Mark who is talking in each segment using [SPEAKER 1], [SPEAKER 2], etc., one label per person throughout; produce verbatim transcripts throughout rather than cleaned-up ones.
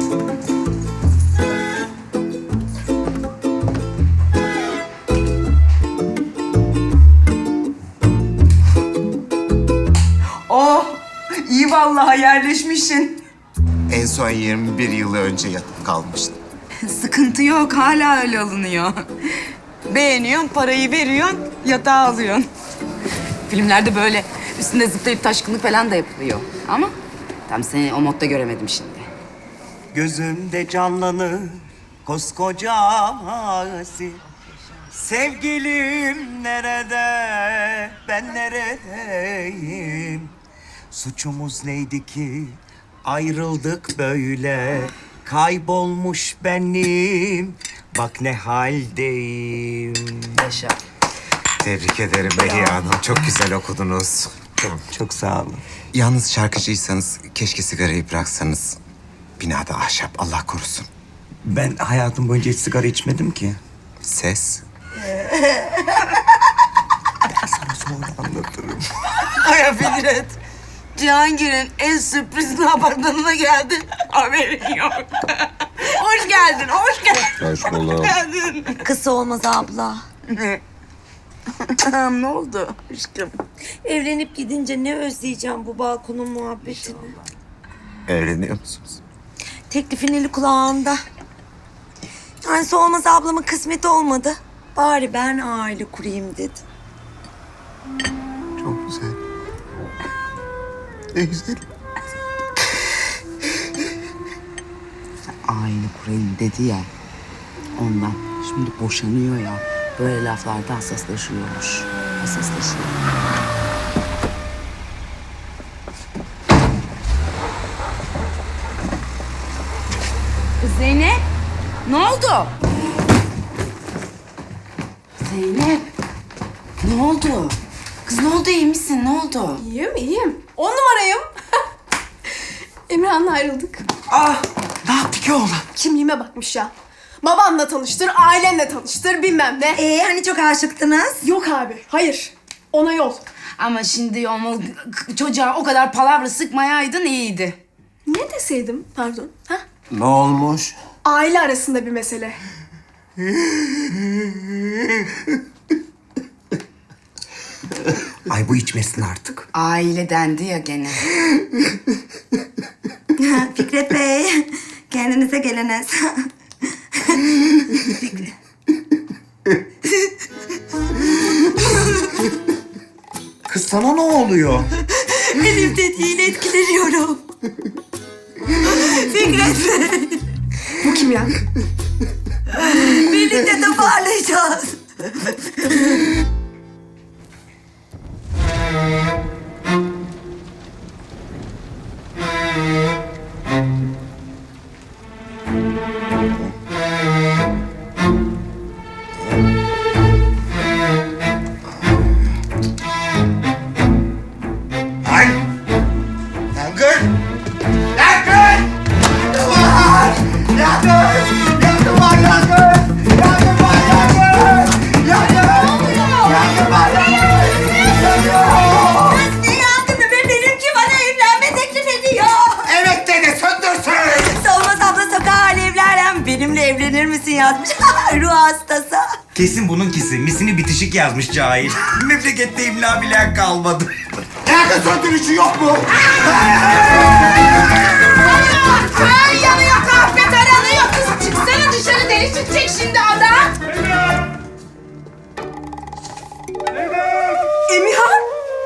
[SPEAKER 1] Oh, iyi vallahi yerleşmişsin.
[SPEAKER 2] En son yirmi bir yıl önce yatıp kalmıştım.
[SPEAKER 1] Sıkıntı yok, hala öyle alınıyor. Beğeniyorsun, parayı veriyorsun, yatağa alıyorsun. Filmlerde böyle üstünde zıplayıp taşkınlık falan da yapılıyor. Ama tam seni o modda göremedim şimdi.
[SPEAKER 3] Gözümde canlanır koskoca mazi. Sevgilim nerede, ben neredeyim? Suçumuz neydi ki ayrıldık böyle? Kaybolmuş benim, bak ne haldeyim.
[SPEAKER 1] Yaşa.
[SPEAKER 2] Tebrik ederim Behiye Hanım. Çok güzel okudunuz.
[SPEAKER 3] Çok sağ olun.
[SPEAKER 2] Yalnız şarkıcıysanız keşke sigarayı bıraksanız. Binada ahşap, Allah korusun.
[SPEAKER 3] Ben hayatım boyunca hiç sigara içmedim ki.
[SPEAKER 2] Ses.
[SPEAKER 3] Sana sonra anlatırım.
[SPEAKER 1] Ay Fikret, Cihangir'in en sürpriz apartmanına geldin. Haberin yok. Hoş geldin, hoş geldin.
[SPEAKER 2] Hoş bulduk.
[SPEAKER 1] geldin.
[SPEAKER 4] Kısa olmaz abla.
[SPEAKER 1] Ne? Ne oldu aşkım?
[SPEAKER 4] Evlenip gidince ne özleyeceğim bu balkonun muhabbetini.
[SPEAKER 2] Evleniyor musunuz?
[SPEAKER 4] Teklifin eli kulağında. Yani olmaz ablamın kısmeti olmadı. Bari ben aile kurayım dedi.
[SPEAKER 2] Çok güzel. Ne güzel.
[SPEAKER 1] Aile kurayım dedi ya. Ondan. Şimdi boşanıyor ya. Böyle laflarda hassaslaşıyormuş. Hassaslaşıyor. Kız Zeynep, ne oldu? Zeynep, ne oldu? Kız ne oldu, iyi misin? Ne oldu?
[SPEAKER 5] İyiyim, iyiyim. On numarayım. Emirhan'la ayrıldık.
[SPEAKER 3] Ah, ne yaptı ki oğlan?
[SPEAKER 5] Kimliğime bakmış ya. Babanla tanıştır, ailenle tanıştır, bilmem ne.
[SPEAKER 4] Ee hani çok aşıktınız?
[SPEAKER 5] Yok abi, hayır. Ona yol.
[SPEAKER 1] Ama şimdi o çocuğa o kadar palavra sıkmayaydın iyiydi.
[SPEAKER 5] Ne deseydim, pardon? Ha?
[SPEAKER 3] Ne olmuş?
[SPEAKER 5] Aile arasında bir mesele.
[SPEAKER 3] Ay bu içmesin artık.
[SPEAKER 1] Aile dendi ya gene.
[SPEAKER 4] Fikret Bey, kendinize geliniz.
[SPEAKER 3] Kız sana ne oluyor?
[SPEAKER 4] Benim dediğiyle etkileniyorum. Fikret Bey,
[SPEAKER 5] Bu kim ya?
[SPEAKER 4] birlikte toparlayacağız.
[SPEAKER 3] Ay! Yangın! Yangın! Yangın var! Yangın! Yangın var yangın! Yangın var yangın! Yangın! Yangın var yangın! Yangın!
[SPEAKER 4] Kız ne yandın be? Benimki bana evlenme teklif ediyor.
[SPEAKER 3] Evet dedi söndürsün!
[SPEAKER 4] Solmaz abla sokağa alevlerle benimle evlenir misin yazmış. Ruh hastası.
[SPEAKER 3] Kesin bununkisi. Misini bitişik yazmış cahil. Memlekette imla bilen kalmadı. Yangın söndürücü yok mu?
[SPEAKER 5] Ay yanıyor, kahve taranıyor. Kız çıksana dışarı, deli çıkacak şimdi adam. Emirhan!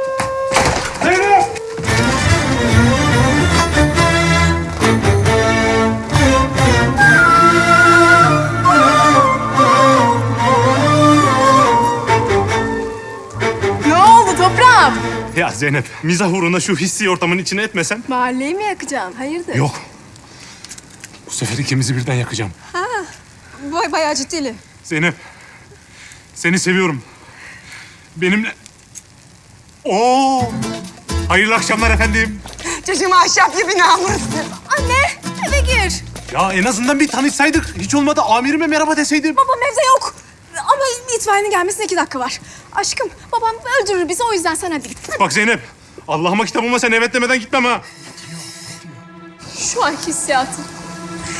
[SPEAKER 5] Ne oldu toprağım?
[SPEAKER 6] Ya Zeynep, mizah uğruna şu hissi ortamın içine etmesen.
[SPEAKER 5] Mahalleyi mi yakacaksın? Hayırdır?
[SPEAKER 6] Yok. Bu sefer ikimizi birden yakacağım.
[SPEAKER 5] Vay bayağı ciddili.
[SPEAKER 6] Zeynep, seni seviyorum. Benimle... Oo! Hayırlı akşamlar efendim.
[SPEAKER 1] Çocuğum ahşap gibi namussuz.
[SPEAKER 5] Anne eve gir.
[SPEAKER 6] Ya en azından bir tanışsaydık. Hiç olmadı amirime merhaba deseydim.
[SPEAKER 5] Babam evde yok. Ama itfaiyenin gelmesine iki dakika var. Aşkım babam öldürür bizi o yüzden sen hadi git.
[SPEAKER 6] Bak Zeynep, Allah'ıma kitabıma sen evet demeden gitmem ha.
[SPEAKER 5] Şu anki hissiyatım.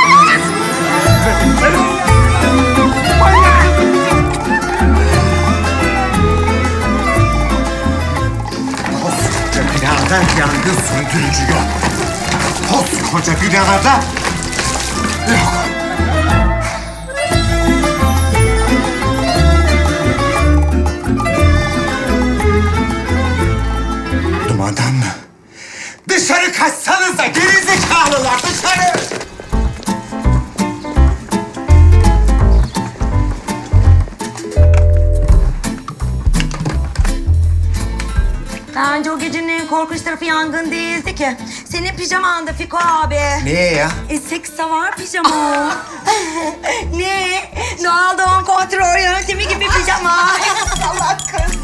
[SPEAKER 2] Koskoca binada yangın söndürücü yok. Koskoca binada yok. Dumandan mı? Dışarı kaçsanıza gerizekalılar, dışarı!
[SPEAKER 4] Bence o gecenin en korkunç tarafı yangın değildi ki. Senin pijamandı Fiko abi.
[SPEAKER 2] Niye ya?
[SPEAKER 4] E seks savar pijama. Ne? Doğal doğum kontrol yöntemi gibi pijama. Salak kız.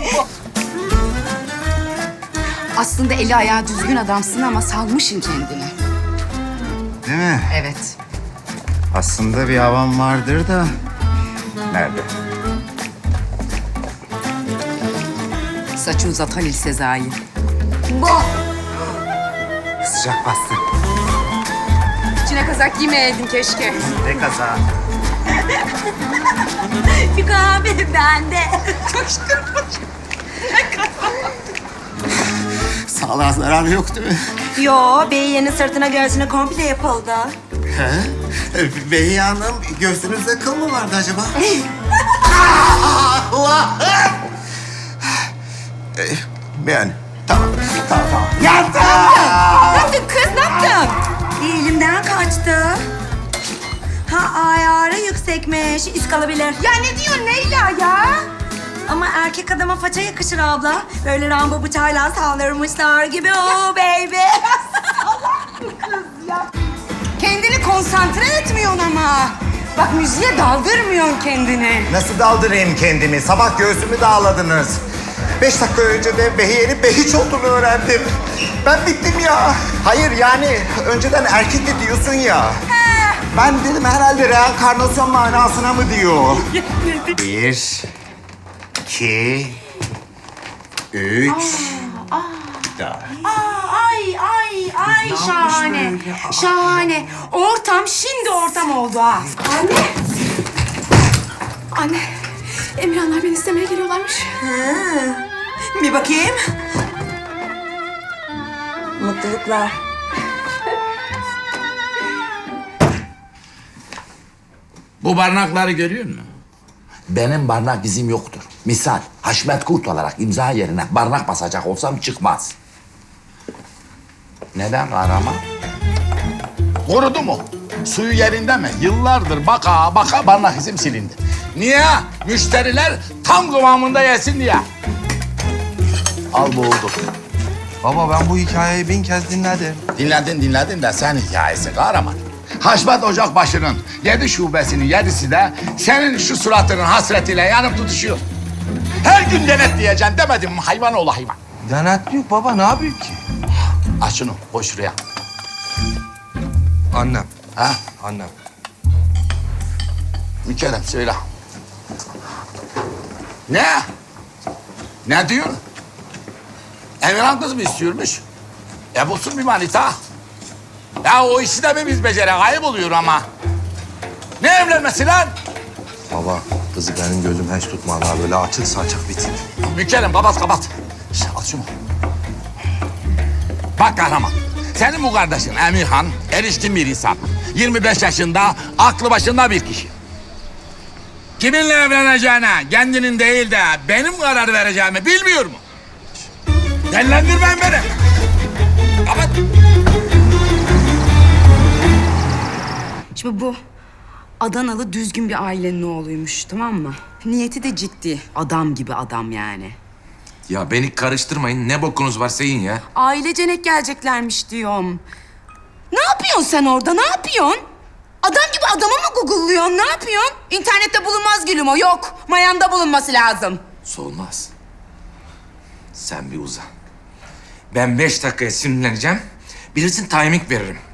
[SPEAKER 1] Aslında eli ayağı düzgün adamsın ama salmışsın kendini.
[SPEAKER 2] Değil mi?
[SPEAKER 1] Evet.
[SPEAKER 2] Aslında bir havam vardır da... Nerede?
[SPEAKER 1] Saçı uzat Halil Sezai.
[SPEAKER 4] Bu.
[SPEAKER 2] Sıcak bastı.
[SPEAKER 1] İçine kazak giymeyeydin keşke.
[SPEAKER 2] Ne kaza?
[SPEAKER 4] Fiko abi bende.
[SPEAKER 2] Sağlığa zararı yok değil mi?
[SPEAKER 4] Yo, beyiyenin sırtına göğsüne komple yapıldı.
[SPEAKER 2] He? Behiye Hanım, göğsünüzde kıl mı vardı acaba? Allah'ım! Ee, yani, tamam, tamam, tamam. Yandım!
[SPEAKER 1] Ne yaptın kız, ne yaptın?
[SPEAKER 4] Elimden kaçtı. Ha ayarı yüksekmiş, iz kalabilir.
[SPEAKER 1] Ya ne diyorsun Leyla ya?
[SPEAKER 4] Ama erkek adama faça yakışır abla. Böyle Rambo bıçağıyla saldırmışlar gibi. Oh baby.
[SPEAKER 1] Kendini konsantre etmiyorsun ama. Bak müziğe daldırmıyorsun kendini.
[SPEAKER 2] Nasıl daldırayım kendimi? Sabah göğsümü dağladınız. Beş dakika önce de Behiye'nin Behiç olduğunu öğrendim. Ben bittim ya. Hayır yani önceden erkekti diyorsun ya. Ben dedim herhalde reenkarnasyon manasına mı diyor? Bir, iki, üç, dört.
[SPEAKER 1] Ay ay ay şahane. Şahane. Ortam şimdi ortam oldu ha.
[SPEAKER 5] Anne. Anne. Emirhanlar beni istemeye geliyorlarmış.
[SPEAKER 4] Bir bakayım. Mutluluklar.
[SPEAKER 7] Bu barnakları görüyor musun? Benim barnak izim yoktur. Misal Haşmet Kurt olarak imza yerine barnak basacak olsam çıkmaz. Neden kahraman? Kurudu mu? Suyu yerinde mi? Yıllardır baka baka barnak izim silindi. Niye? Müşteriler tam kıvamında yesin diye. Al boğuldu.
[SPEAKER 8] Baba ben bu hikayeyi bin kez dinledim.
[SPEAKER 7] Dinledin dinledin de sen hikayesi kahraman. Haşmet Ocakbaşı'nın yedi şubesinin yedisi de senin şu suratının hasretiyle yanıp tutuşuyor. Her gün denetleyeceksin demedim mi hayvan oğlu hayvan.
[SPEAKER 8] Denetliyor baba ne yapıyor ki?
[SPEAKER 7] Aç şunu koy şuraya.
[SPEAKER 8] Annem.
[SPEAKER 7] Ha?
[SPEAKER 8] Annem.
[SPEAKER 7] Mükerrem söyle. Ne? Ne diyorsun? Emirhan kız mı istiyormuş? E bulsun bir manita. Ya o işi de mi biz beceren? Ayıp oluyor ama. Ne evlenmesi lan?
[SPEAKER 8] Baba kızı benim gözüm hiç tutmadı ha. Böyle açık saçık bir tip.
[SPEAKER 7] Mükerrem kapat kapat. Şş, al şunu. Bak kahraman. Senin bu kardeşin Emirhan erişkin bir insan. yirmi beş yaşında aklı başında bir kişi. Kiminle evleneceğine kendinin değil de benim karar vereceğimi bilmiyor mu? Dellendirmeyin beni. Kapat.
[SPEAKER 1] Şimdi bu Adanalı düzgün bir ailenin oğluymuş, tamam mı? Niyeti de ciddi. Adam gibi adam yani.
[SPEAKER 9] Ya beni karıştırmayın. Ne bokunuz varsa yiyin ya.
[SPEAKER 1] Ailecenek geleceklermiş diyorum. Ne yapıyorsun sen orada? Ne yapıyorsun? Adam gibi adamı mı google'lıyorsun? Ne yapıyorsun? İnternette bulunmaz gülüm o. Yok. Mayanda bulunması lazım.
[SPEAKER 9] Solmaz. Sen bir uzan. Ben beş dakikaya sinirleneceğim. Bilirsin timing veririm.